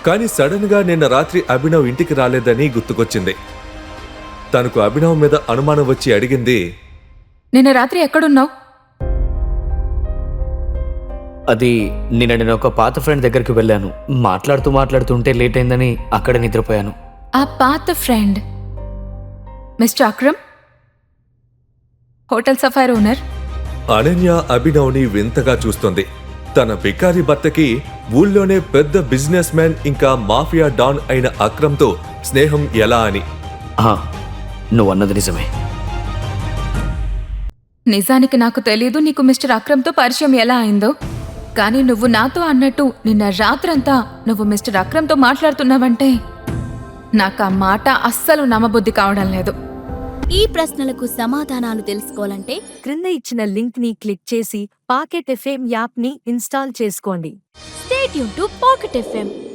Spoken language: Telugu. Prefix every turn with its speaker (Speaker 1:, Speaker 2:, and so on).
Speaker 1: కానీ సడన్ గా నిన్న రాత్రి అభినవ్ ఇంటికి రాలేదని గుర్తుకొచ్చింది. తనకు అభినవ్ మీద అనుమానం వచ్చి అడిగింది,
Speaker 2: నిన్న రాత్రి ఎక్కడున్నావు?
Speaker 3: అది నేను ఒక పాత ఫ్రెండ్ దగ్గరికి వెళ్ళాను. మాట్లాడుతుంటే లేట్ అయిందని అక్కడ నిద్రపోయాను.
Speaker 2: ఆ పాత friend mister Akram, hotel Sapphire owner.
Speaker 1: Ananya అభినవ్ని వింతగా చూస్తుంది. తన బికారి భర్తకి ఊళ్ళోనే పెద్ద బిజినెస్ మ్యాన్ ఇంకా మాఫియా డాన్ అయిన అక్రమ్తో స్నేహం ఎలా అని.
Speaker 3: నువ్వన్నది నిజమే.
Speaker 2: నిజానికి నాకు తెలీదు నీకు మిస్టర్ అక్రమ్తో పరిచయం ఎలా అయిందో. కానీ నువ్వు నాతో అన్నట్టు నిన్న రాత్రంతా నువ్వు మిస్టర్ అక్రమ్తో మాట్లాడుతున్నావంటే నాకు ఆ మాట అస్సలు నమ్మబుద్ధి కావడం లేదు.
Speaker 4: ఈ ప్రశ్నలకు సమాధానాలు తెలుసుకోవాలంటే
Speaker 5: క్రింద ఇచ్చిన లింక్ ని క్లిక్ చేసి పాకెట్ ఎఫ్ఎం యాప్ ని ఇన్స్టాల్ చేసుకోండి.
Speaker 4: Stay tune to Pocket FM.